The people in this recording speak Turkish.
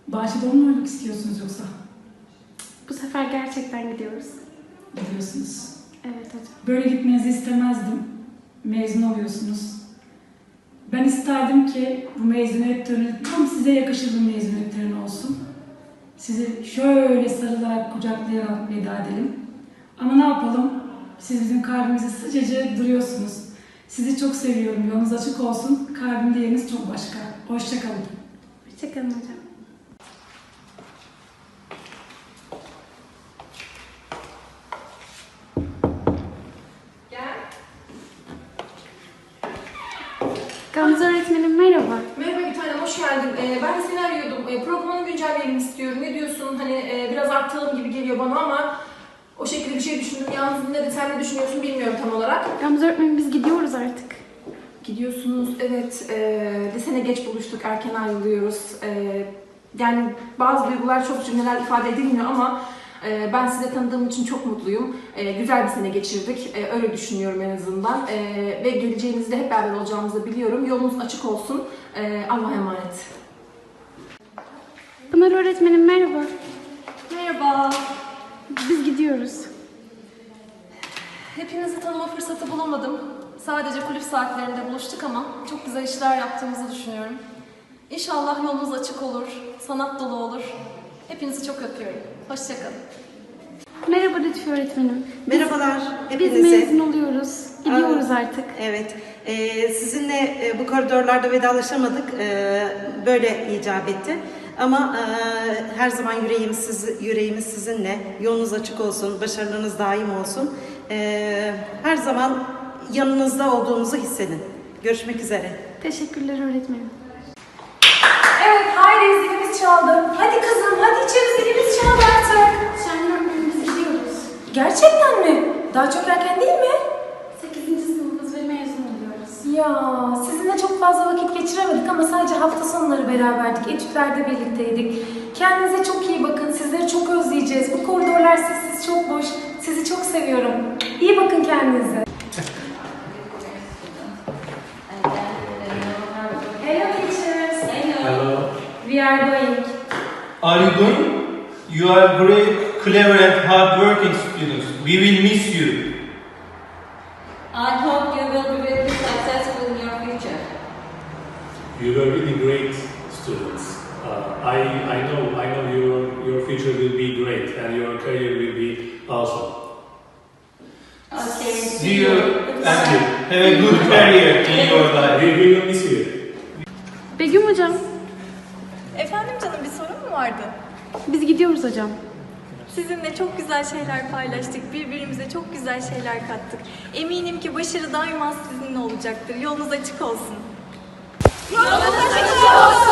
Bahçede mi oynamak istiyorsunuz yoksa? Bu sefer gerçekten gidiyoruz. Gidiyorsunuz. Evet hocam. Böyle gitmenizi istemezdim. Mezun oluyorsunuz. Ben isterdim ki bu mezuniyet töreni tam size yakışır bir mezuniyet töreni olsun. Sizi şöyle sarılarak, kucaklayarak veda edelim. Ama ne yapalım? Siz bizim kalbimizde sıcacık duruyorsunuz. Sizi çok seviyorum. Yolunuz açık olsun. Kalbimde yeriniz çok başka. Hoşça kalın. Hoşçakalın hocam. Gamze öğretmenim merhaba. Merhaba bir tanem, hoş geldin. Ben de seni arıyordum. Programını güncelleyelim istiyorum. Ne diyorsun? Hani biraz arttıralım gibi geliyor bana ama o şekilde bir şey düşündüm. Yalnız ne de sen ne düşünüyorsun bilmiyorum tam olarak. Gamze öğretmenim biz gidiyoruz artık. Gidiyorsunuz, evet. Lisene geç buluştuk, erken ayrılıyoruz. Yani bazı duygular çok cümleler ifade edilmiyor ama ben sizi tanıdığım için çok mutluyum. Güzel bir sene geçirdik. Öyle düşünüyorum en azından. Ve geleceğinizde hep beraber olacağımızı biliyorum. Yolunuz açık olsun. Allah'a emanet. Pınar öğretmenim merhaba. Merhaba. Biz gidiyoruz. Hepinizi tanıma fırsatı bulamadım. Sadece kulüp saatlerinde buluştuk ama çok güzel işler yaptığımızı düşünüyorum. İnşallah yolunuz açık olur, sanat dolu olur. Hepinizi çok öpüyorum. Hoşçakalın. Merhaba Lütfi öğretmenim. Merhabalar Biz hepinize. mezun oluyoruz. Gidiyoruz artık. Evet, sizinle bu koridorlarda vedalaşamadık. Böyle icap etti. Ama her zaman yüreğimiz sizinle. Yolunuz açık olsun, başarılarınız daim olsun. Her zaman yanınızda olduğumuzu hissedin. Görüşmek üzere. Teşekkürler öğretmenim. Evet, haydi zilimiz çaldı. Hadi kızım, hadi içeri zilimiz çaldı artık. Şahin öğretmenim biz gidiyoruz. Gerçekten mi? Daha çok erken değil mi? 8. sınıfız ve mezun oluyoruz. Ya sizinle çok fazla vakit geçiremedik ama sadece hafta sonları beraberdik. Etütlerde birlikteydik. Kendinize çok iyi bakın. Sizleri çok özleyeceğiz. Bu koridorlar sessiz, çok boş. Sizi çok seviyorum. İyi bakın kendinize. Hello teachers. Hello. We are going. Are you going? You are great, clever and hard-working students. We will miss you. I hope you will be very successful in your future. You were really great students. I know your future will be great and your career will be awesome. Okay. See you and have a good career in your life. We will miss you. Begüm hocam, Efendim canım, bir sorun mu vardı? biz gidiyoruz hocam. Sizinle çok güzel şeyler paylaştık, birbirimize çok güzel şeyler kattık. Eminim ki başarı daima sizinle olacaktır. Yolunuz açık olsun. Yolunuz açık olsun.